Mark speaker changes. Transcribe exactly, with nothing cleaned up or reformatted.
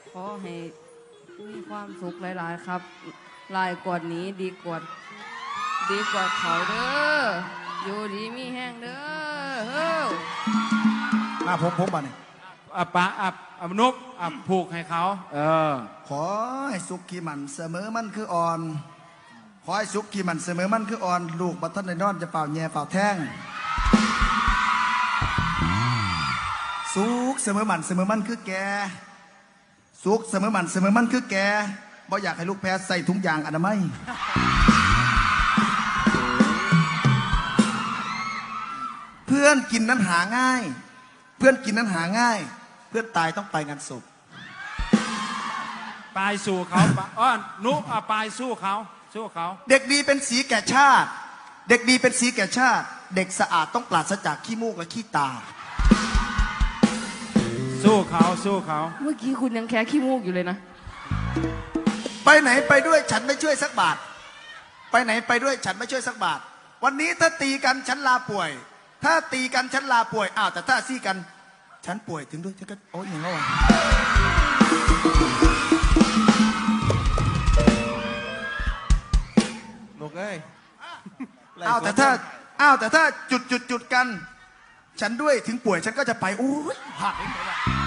Speaker 1: ขอให้มีความสุขหลายๆครับหลายกว่านี้ดีกว่าดีกว่าเขาเด้ออยู่ดีมีแห้งเด้อเฮ้อ
Speaker 2: อ่ะผมผมบ้านี่
Speaker 3: อ่ะปะอ่ะอ่ะนุกอ่ะผูกให้เขาเออ
Speaker 2: ขอให้สุขขี้มันเสมอมันคืออ่อนขอให้สุขขี้มันเสมอมันคืออ่อนลูกบัตรในนอนจะเป่าแย่เป่าแท่งสุขเสมอมันเสมอมันคือแกสุขเสมอมันเสมอมันคือแกบ่อยากให้ลูกแพ้ใส่ถุงยางอนามัยเพื่อนกินนั้นหาง่ายเพื่อนกินนั้นหาง่ายเพื่อนตายต้องไปงานศพ
Speaker 3: ปลายสู่เขาอ้อนุกอ่ะปลายสู้เขาสู้เขา
Speaker 2: เด็กดีเป็นสีแก่ชาติเด็กดีเป็นสีแก่ชาติเด็กสะอาดต้องปราศจากขี้มูกและขี้ตา
Speaker 3: สู้เขาสู้เขา
Speaker 1: เมื่อกี้คุณยังแค่ขี้มูกอยู่เลยนะ
Speaker 2: ไปไหนไปด้วยฉันไม่ช่วยสักบาทไปไหนไปด้วยฉันไม่ช่วยสักบาทวันนี้ถ้าตีกันฉันลาป่วยถ้าตีกันฉันลาป่วยอ้าวแต่ถ้าซี่กันฉันป่วยถึงด้วยฉันก็โอ๊ยอย่างนั้นวะ
Speaker 4: ลูกเอ้ย
Speaker 2: อ้าวแต่ถ้าอ้าวแต่ถ้าจุดจุดจุดกันฉันด้วยถึงป่วยฉันก็จะไปโอ้ยผ่านไปแล้ว